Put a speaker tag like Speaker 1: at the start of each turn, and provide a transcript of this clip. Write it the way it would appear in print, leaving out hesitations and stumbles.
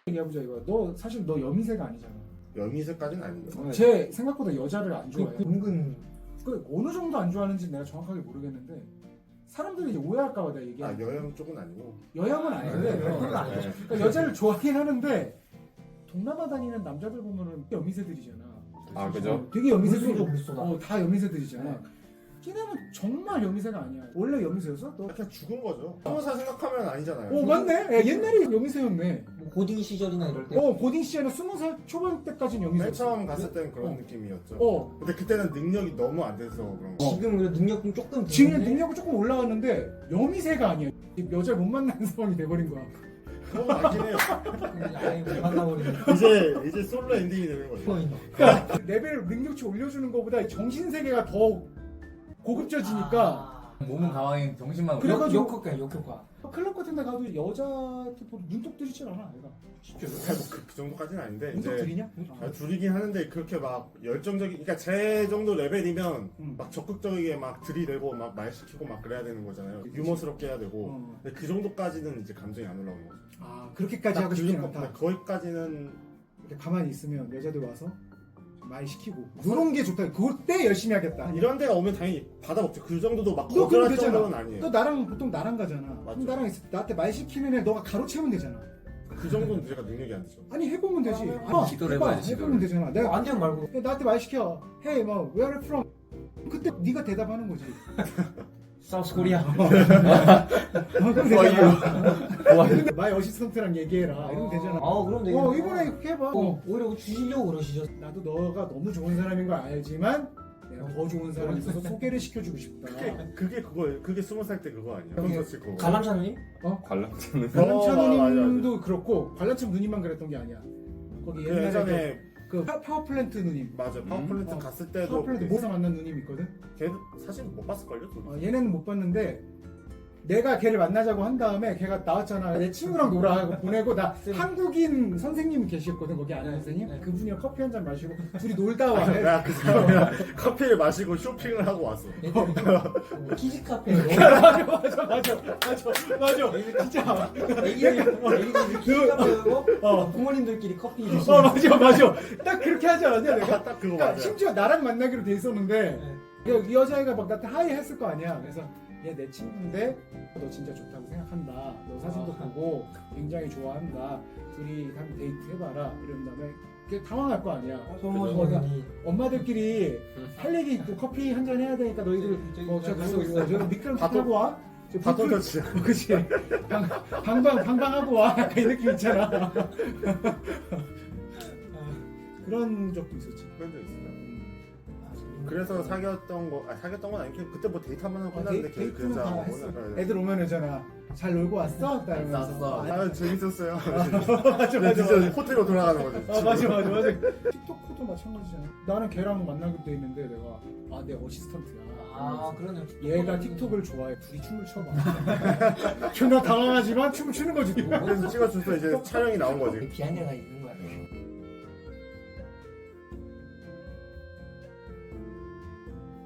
Speaker 1: 얘기해보자 이거야. 너 사실 너 여미새가 아니잖아.
Speaker 2: 여미새까지는 아니죠.
Speaker 1: 쟤 생각보다 여자를 안 좋아해.
Speaker 3: 은근
Speaker 1: 그 어느 정도 안 좋아하는지 내가 정확하게 모르겠는데 사람들이 이제 오해할까봐 내가 얘기해.
Speaker 2: 여양 쪽은 아니고.
Speaker 1: 여양은 아닌데
Speaker 3: 그건 아니죠.
Speaker 1: 그러니까 여자를 좋아하긴 하는데 동남아 다니는 남자들 보면은 여미새들이잖아.
Speaker 4: 아 그죠?
Speaker 1: 되게 여미새들이
Speaker 3: 물쏘다.
Speaker 1: 다 여미새들이잖아. 걔네는 정말 여미새가 아니야. 원래 여미새였어? 너?
Speaker 2: 그냥 죽은 거죠. 20살 생각하면 아니잖아요.
Speaker 1: 맞네. 야, 옛날에 여미새였네.
Speaker 3: 뭐 고딩 시절이나 이럴 때
Speaker 1: 고딩 시절에 20살 초반 때까지는
Speaker 2: 맨
Speaker 1: 여미새였어.
Speaker 2: 처음 갔을 때는 그런 느낌이었죠.
Speaker 1: 어.
Speaker 2: 근데 그때는 능력이 너무 안 돼서 그런 거.
Speaker 3: 지금 그래 능력 좀 조금
Speaker 1: 지금
Speaker 3: 드는데
Speaker 1: 능력은 조금 올라왔는데 여미새가 아니야. 여자를 못 만나는 상황이 돼버린 거야.
Speaker 2: 그건 맞긴 해요.
Speaker 3: 아예 못 만나버리는
Speaker 2: 이제 솔로 엔딩이 되는 거죠.
Speaker 3: 포인트.
Speaker 1: 그러니까 레벨 능력치 올려주는 것보다 정신 세계가 더 고급져지니까
Speaker 4: 몸은 가만히 정신만
Speaker 1: 그래가지고-
Speaker 3: 역효과.
Speaker 1: 클럽 같은 데 가도 여자한테 눈독 들이질 않아 얘가.
Speaker 2: 그 정도까지는 아닌데
Speaker 1: 눈독
Speaker 2: 이제
Speaker 1: 들이냐?
Speaker 2: 줄이긴 하는데 그렇게 막 열정적인 그러니까 제 정도 레벨이면 막 적극적이게 막 들이대고 막 말 시키고 막 그래야 되는 거잖아요. 유머스럽게 해야 되고 근데 그 정도까지는 이제 감정이 안 올라오는 거죠.
Speaker 1: 그렇게까지 하고 싶진 않다.
Speaker 2: 거기까지는
Speaker 1: 이렇게 가만히 있으면 여자들 와서 말 시키고 이런 게 좋다. 그때 열심히 하겠다.
Speaker 2: 이런 데가 오면 당연히 받아먹죠. 그 정도도 막
Speaker 1: 너 그럼
Speaker 2: 거절할
Speaker 1: 되잖아.
Speaker 2: 정도는 아니에요.
Speaker 1: 너 나랑 보통 나랑 가잖아.
Speaker 2: 맞죠.
Speaker 1: 그럼 나랑 있을 때 나한테 말 시키는 애 너가 가로채면 되잖아.
Speaker 2: 그 정도는 제가 능력이 안 되죠.
Speaker 1: 아니 해보면 되지.
Speaker 4: 기도를
Speaker 1: 해봐.
Speaker 4: 해봐야지,
Speaker 1: 해보면 되잖아. 내가
Speaker 3: 안 되면 말고
Speaker 1: 나한테 말 시켜. Hey, 뭐 where are you from? 그때 네가 대답하는 거지.
Speaker 3: 사우스 코리아.
Speaker 1: 그럼 되잖아. 근데 마이 어시스턴트랑 얘기해라. 이러면 되잖아.
Speaker 3: 그럼 되겠네.
Speaker 1: 이번에 이렇게 해봐.
Speaker 3: 오히려 주시려고 그러시죠.
Speaker 1: 나도 너가 너무 좋은 사람인 걸 알지만 내가 더 좋은 사람이 있어서 소개를 시켜주고 싶다.
Speaker 2: 그게 20살 때 그거 아니에요?
Speaker 3: 그게
Speaker 2: 콘서트 그거.
Speaker 3: 관람차님?
Speaker 4: 관람차는
Speaker 1: 관람차
Speaker 2: 맞아,
Speaker 1: 누님도 그렇고 관람차 누님만 그랬던 게 아니야. 거기
Speaker 2: 그
Speaker 1: 옛날에
Speaker 2: 예전에
Speaker 1: 그 파워플랜트 누님.
Speaker 2: 맞아 파워플랜트 갔을 때도
Speaker 1: 파워플랜트 모사 만난 누님 있거든.
Speaker 2: 걔 사실 못 봤을걸요?
Speaker 1: 얘네는 못 봤는데 내가 걔를 만나자고 한 다음에 걔가 나왔잖아. 내 친구랑 놀아 하고 보내고 나 한국인 선생님 계셨거든 거기 아는 선생님.
Speaker 3: 네.
Speaker 1: 그분이랑 커피 한 잔 마시고 둘이 놀다 와.
Speaker 2: 내가 그 사람이랑 커피를 마시고 쇼핑을 하고 왔어.
Speaker 3: 키즈 카페로
Speaker 1: 맞아. 진짜.
Speaker 3: 애기들 키즈 카페고 부모님들끼리 커피 드시는.
Speaker 1: 맞아. 딱 그렇게 하지 않았냐 내가.
Speaker 2: 딱 그거
Speaker 1: 그러니까
Speaker 2: 맞아요.
Speaker 1: 심지어 나랑 만나기로 돼 있었는데 이 여자애가 막 나한테 하이 했을 거 아니야. 그래서 얘 내 친구인데 너 진짜 좋다고 생각한다. 너 사진도 보고 굉장히 좋아한다. 둘이 한번 데이트 해봐라. 이런 다음에 걔 당황할 거 아니야.
Speaker 3: 소모님이
Speaker 1: 엄마들끼리 할 얘기 있고 커피 한 잔 해야 되니까 너희들 저 가서 저 미끄럼 타고 와.
Speaker 2: 바톤 터치.
Speaker 1: 그치. 방방하고 와. 약간 이 느낌 있잖아. 그런 적도 있었지.
Speaker 2: 그런 적 있어요. 그래서 사귀었던 건 아니고 그때 뭐 데이트 한번 하고 끝났는데 걔
Speaker 1: 데이트는
Speaker 2: 그 여자
Speaker 1: 다 했어.
Speaker 2: 오늘
Speaker 1: 애들 오면 오잖아. 잘 놀고 왔어? 딱 이러면서.
Speaker 2: 재밌었어요.
Speaker 1: 맞아.
Speaker 2: 진짜 호텔로 돌아가는 거죠.
Speaker 1: 맞아. 틱톡도 마찬가지잖아. 나는 걔랑 만나기로 돼 있는데 내가 내 어시스턴트야.
Speaker 3: 그러네.
Speaker 1: 얘가 틱톡을 좋아해. 둘이 춤을 춰봐. 존나 당황하지만 춤을 추는 거지.
Speaker 2: 그래서 찍어줘서 이제 촬영이 나온 거지.
Speaker 3: 비하인드가 있는